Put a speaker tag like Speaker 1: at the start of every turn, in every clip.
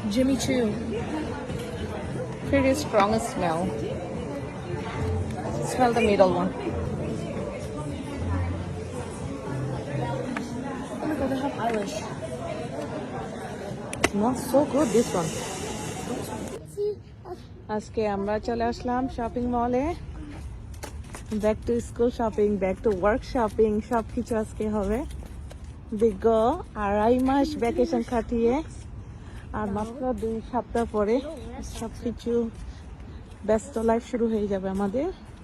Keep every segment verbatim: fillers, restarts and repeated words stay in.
Speaker 1: Jimmy Choo.
Speaker 2: Pretty strong smell. Smell the middle one.
Speaker 1: Oh my god, they have eyelash.
Speaker 2: Smells so good, this one. আজকে আমরা চলে আসলাম shopping মলে। Back to school shopping, back to work shopping, সব কিছু আজকে হবে। দীর্ঘ আড়াই মাস ভ্যাকেশন কাটিয়ে আর মাত্র দুই সপ্তাহ পরে সব কিছু ব্যস্ত লাইফ শুরু হয়ে যাবে আমাদের।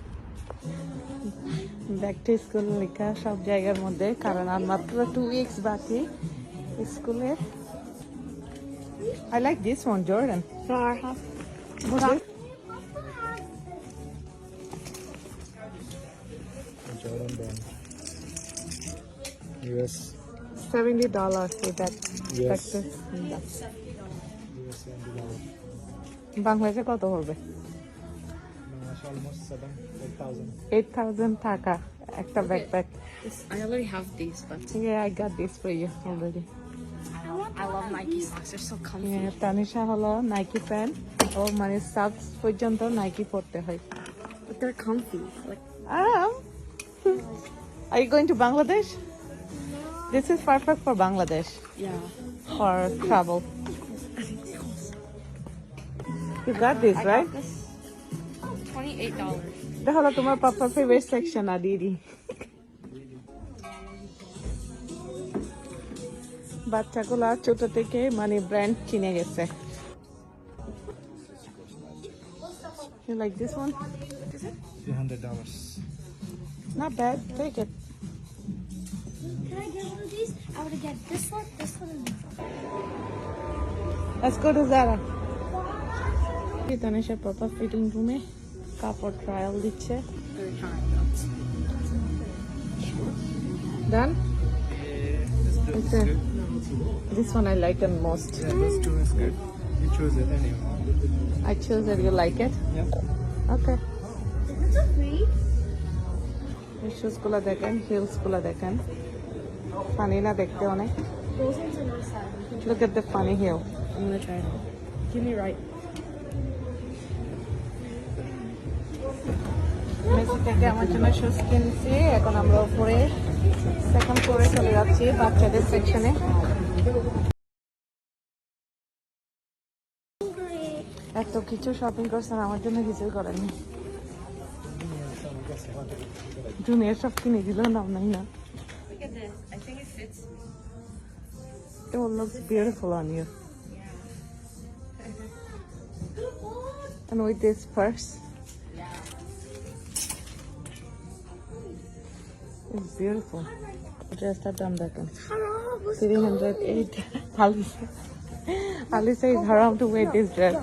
Speaker 2: ব্যাক টু স্কুল লেখা সব জায়গার মধ্যে, কারণ আর মাত্র টু উইকস বাকি স্কুলের। I like this one, Jordan. What's it?
Speaker 3: Jordan brand. U S.
Speaker 2: Seventy dollars with that.
Speaker 3: Yes.
Speaker 2: Texas.
Speaker 3: U S seventy dollars.
Speaker 2: বাংলাদেশে কত হবে?
Speaker 3: Bangladesh almost seven, eight thousand.
Speaker 2: Eight thousand taka. একটা backpack.
Speaker 1: This, I already have these, but
Speaker 2: Yeah, I got this for you already.
Speaker 1: I love Nike socks. They're so comfy.
Speaker 2: Yeah, Tanisha হলো Nike pant ও মানে subs পর্যন্ত Nike পরতে হয়।
Speaker 1: But they're comfy. Like,
Speaker 2: Um, are you going to Bangladesh? This is perfect for Bangladesh
Speaker 1: yeah.
Speaker 2: for travel. You got this,
Speaker 1: I
Speaker 2: right?
Speaker 1: got this. Twenty-eight dollars.
Speaker 2: এটা হলো তোমার পাপার favourite section আর দিদি। বাচ্চাগুলা ছোট থেকে মানে ব্র্যান্ড চিনে গেছে। You like this one?
Speaker 3: Three hundred dollars.
Speaker 2: Not bad. Take it.
Speaker 4: Can I get one of these? I would get this one, this one, and this one.
Speaker 2: Let's go to Zara. Tanisha পাপা fitting রুমে কাপড় trial দিচ্ছে।
Speaker 1: They're trying.
Speaker 2: Done?
Speaker 3: This, this
Speaker 2: It's
Speaker 3: is
Speaker 2: a-
Speaker 3: good.
Speaker 2: This one I like the most.
Speaker 3: Yeah, this too is good. You choose it anyway.
Speaker 2: I choose it. You like it?
Speaker 3: Yep.
Speaker 2: Okay.
Speaker 4: It's a free.
Speaker 2: এই shoes গুলো দেখেন, hills গুলো দেখেন, funny না দেখতে অনেক।
Speaker 4: Those ones are nice side.
Speaker 2: Look at the funny heel.
Speaker 1: I'm gonna try it. Give me right.
Speaker 2: Messi থেকে আমার জন্য শুজ কিনছি। এখন আমরা উপরে সেকেন্ড ফ্লোরে চলে যাচ্ছি বাচ্চাদের সেকশনে। এত কিছু শপিং করছেন, আমার জন্য কিছুই করেনি। জুনিয়র সব কিনে দিল, নাম নাই না।
Speaker 1: Look at this. I think it fits me.
Speaker 2: It will look beautiful on you. And with this purse, it's beautiful. Just a done that one. Three hundred eight. Ali, Ali says haram to wear this dress.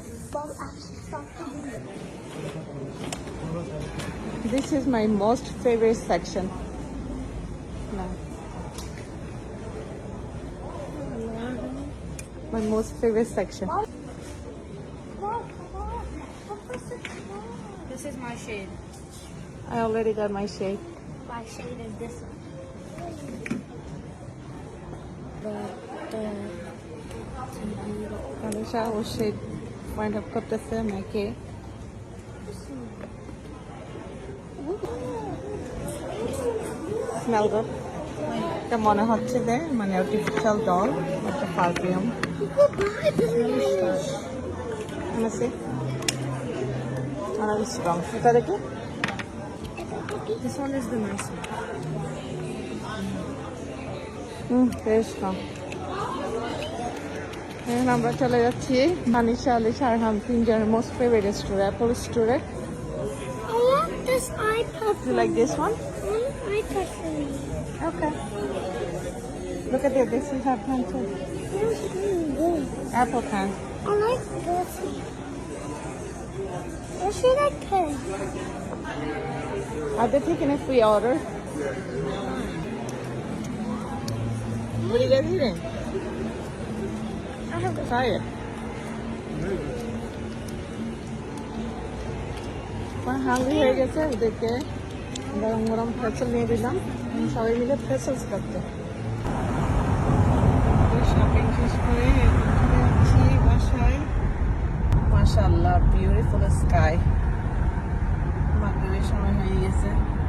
Speaker 2: This is my most favorite section. No. My most favorite section.
Speaker 1: This is my shade.
Speaker 2: I already got my shade.
Speaker 4: My shade is this one. The, the,
Speaker 2: Alisha O shade find up করতেছে আমাকে। Smell good. এটা মনে হচ্ছে যে মানে artificial doll, একটা perfume. আছে আর strong. এটা দেখি।
Speaker 1: This one is the nice one.
Speaker 2: হুম, বেশ স্ট্রং। এখন আমরা চলে যাচ্ছি মানিশা, আলিশা আর হাম তিনজনের মোস্ট ফেভারিট স্টোর, অ্যাপল স্টোরে।
Speaker 4: I want this iPad.
Speaker 2: You like this one?
Speaker 4: I want an iPad for me.
Speaker 2: Okay. Look at it. This is our pen too.
Speaker 4: Where's it going?
Speaker 2: Apple pen.
Speaker 4: I like this. Where should I put it?
Speaker 2: Are they taking a free order? What are you guys eating?
Speaker 4: I have a
Speaker 2: Try it. আমার হাঙ্গি হয়ে গেছে, ওদেরকে গরম গরম ফেসল নিয়ে দিলাম, সবাই মিলে ফেসলস করতে। শপিং শেষ করে যাচ্ছি বাসায়। মাশাআল্লাহ বিউটিফুল স্কাই মাগরিবের সময় হয়ে গেছে